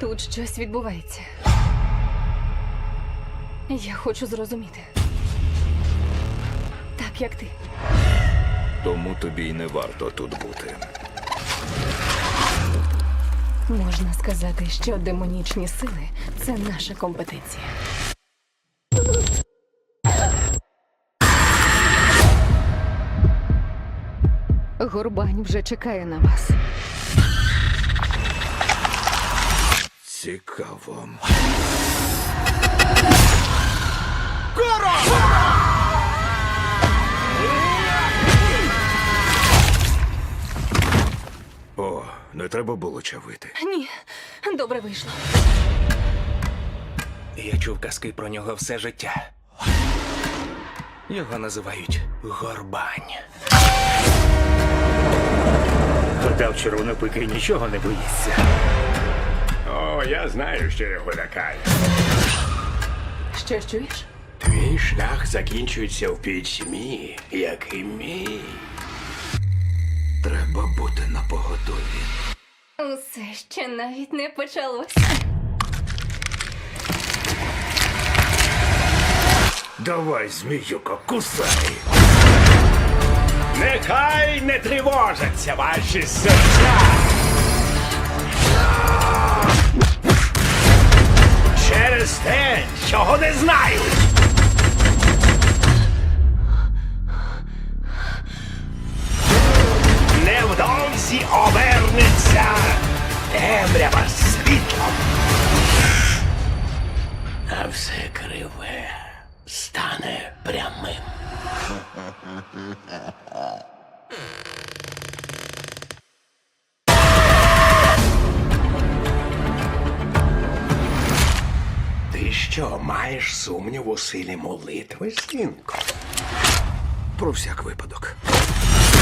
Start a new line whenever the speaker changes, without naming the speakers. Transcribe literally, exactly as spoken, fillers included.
Тут щось відбувається. Я хочу зрозуміти. Так, як ти.
Тому тобі й не варто тут бути.
Можна сказати, що демонічні сили – це наша компетенція. Горбань вже чекає на вас.
Цікаво. О, не треба було чавити.
Ні, добре вийшло.
Я чув казки про нього все життя. Його називають Горбань.
Гадав, червонопикий нічого не боїться.
О, я знаю, що його лякає.
Що чуєш?
Твій шлях закінчується в пітьмі, як і мій.
Треба бути напоготові.
Усе ще навіть не почалось.
Давай, зміюко, кусай!
Нехай не тривожаться ваші серця. Через те, чого не знають. Невдовзі обернеться темрява світлом. А все криве стане прямим. Ти що, маєш сумнів у силі молитви, синку?
Про всяк випадок.